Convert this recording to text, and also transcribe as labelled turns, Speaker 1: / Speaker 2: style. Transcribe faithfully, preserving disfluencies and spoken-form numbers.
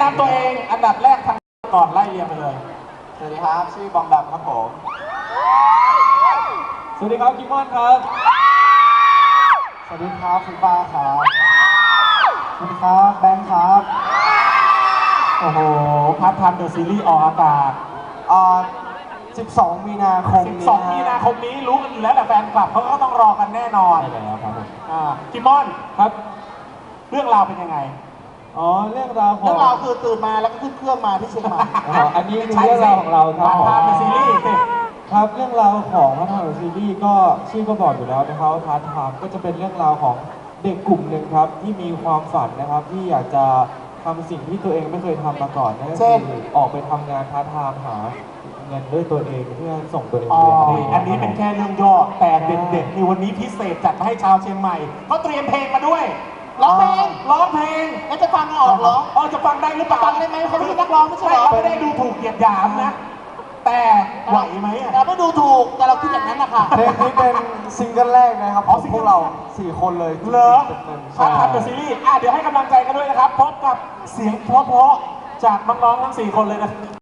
Speaker 1: ำตัวเองอันดับแรกทางก่อนไล่เรียงไปเลย
Speaker 2: สวัสดีครับชื่อบองดำครับผม
Speaker 1: สวัสดีครับกิมมอนครับ
Speaker 2: สวัสดีครับคุณป้าครับสวัสดีครับแบงค์ครับ
Speaker 1: โอ้โหพัดทันเดอะซีรีส์ออกอากาศ
Speaker 2: อ่าสิบสองมีนาคม
Speaker 1: สิบสองมีนาคมนี้รู้กันอยู่แล้วแต่แฟนคลับเขาก็ต้องรอกันแน่นอน
Speaker 2: ใช่แล้วครับผม
Speaker 1: อ่ากิมมอนครับเรื่องราวเป็นยังไง
Speaker 2: อ๋อเรื่องราวของ
Speaker 1: เรื่องราวคือตื่นมาแล้วก็ขึ้นเครื่องมาที่เชียงใหม่
Speaker 2: อ๋ออันนี้คือเรื่องราวของเราครับ
Speaker 1: พัดทันเดอะซีรีส์
Speaker 2: ครับเรื่องราวของพัฒนาซีรีส์ก็ชื่อก็บอกอยู่แล้วนะครับพาร์ทไทม์ก็จะเป็นเรื่องราวของเด็กกลุ่มหนึ่งครับที่มีความฝันนะครับที่อยากจะทำสิ่งที่ตัวเองไม่เคยทำมาก่อนนั่นก็คือออกไปทำงานพาร์ทไทม์หาเงินด้วยตัวเองเพื่อส่งตัวเองเรียน
Speaker 1: อันนี้เป็นแค่เรื่องย่อแต่เด็ดๆในวันนี้พิเศษจัดมาให้ชาวเชียงใหม่เขาเตรียมเพลงมาด้วยร้องเพลงร้องเพลงแล้วจะฟังออกเหรออ๋อจะฟังได้หรือเปล่าฟังได้ไหมเขาไม่ใช่นักร้องไม่ใช่เหรอไม่ได้ดูถูกเหยียดหยามนะแต่ไหวไหมอ่ะเราไม่ดูถูกแต่เราคิดอย่างนั้นนะคะ
Speaker 2: เพลงนี้เป็นซิงเกิลแรกนะครับของพวกเราสี่คนเลย
Speaker 1: เหรอครับทำกับซีรีส์อ่ะเดี๋ยวให้กำลังใจกันด้วยนะครับพบกับเสียงเพราะๆจากน้องๆทั้งสี่คนเลยนะ